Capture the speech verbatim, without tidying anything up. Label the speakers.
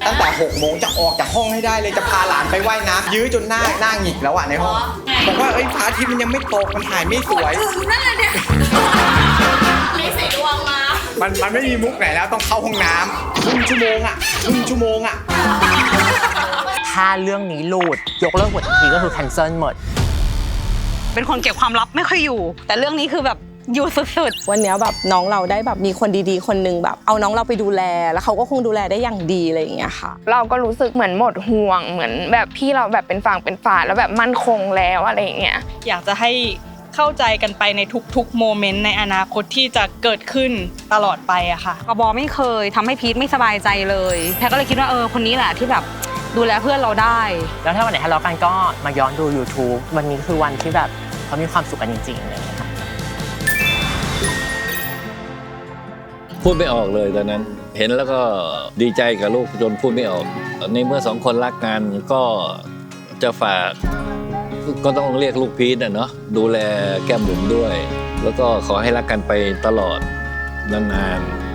Speaker 1: ตั้งแต่หกโมงจะออกจากห้องให้ได้เลยจะพาหลานไปว่ายน้ำยื้อจนหน้าหน้าหงิกแล้วอะในห้องบอกว่าเอ้ยพระอาทิตย์มันยังไม่ตกมันถ่ายไม่สวย
Speaker 2: ถึงนั่นเลยเนี่ยไม่ใส่ดวงมา
Speaker 1: มันมันไม่มีมุกไหนแล้วต้องเข้าห้องน้ำครึ่งชั่วโมงอะครึ่งชั่วโมงอะ
Speaker 3: ถ้าเรื่องนี้หลุดยกเลิกหมดทีก็คือ cancel หมด
Speaker 4: เป็นคนเก็บความลับไม่ค่อยอยู่แต่เรื่องนี้คือแบบอยู่สุดๆ
Speaker 5: วันนี้แบบน้องเราได้แบบมีคนดีๆคนนึงแบบเอาน้องเราไปดูแลแล้วเขาก็คงดูแลได้อย่างดีอะไรอย่างเงี้ยค่ะ
Speaker 6: เราก็รู้สึกเหมือนหมดห่วงเหมือนแบบพี่เราแบบเป็นฝั่งเป็นฝาแล้วแบบมั่นคงแล้วอะไรอย่างเงี้ย
Speaker 4: อยากจะให้เข้าใจกันไปในทุกๆโมเมนต์ในอนาคตที่จะเกิดขึ้นตลอดไปอะค่ะกบไม่เคยทำให้พีทไม่สบายใจเลยแพรก็เลยคิดว่าเออคนนี้แหละที่แบบดูแลเพื่อนเราได้
Speaker 3: แล้วถ้าวันไหนทะเลาะกันก็มาย้อนดู YouTube วันนี้คือวันที่แบบเขามีความสุขกันจริงๆเลยค่ะ
Speaker 7: พูดไม่ออกเลยตอนนั้นเห็นแล้วก็ดีใจกับลูกจนพูดไม่ออกในเมื่อสองคนรักกันก็จะฝากก็ต้องเรียกลูกพีทนะเนาะดูแลแก้มบุ๋มด้วยแล้วก็ขอให้รักกันไปตลอดนานๆ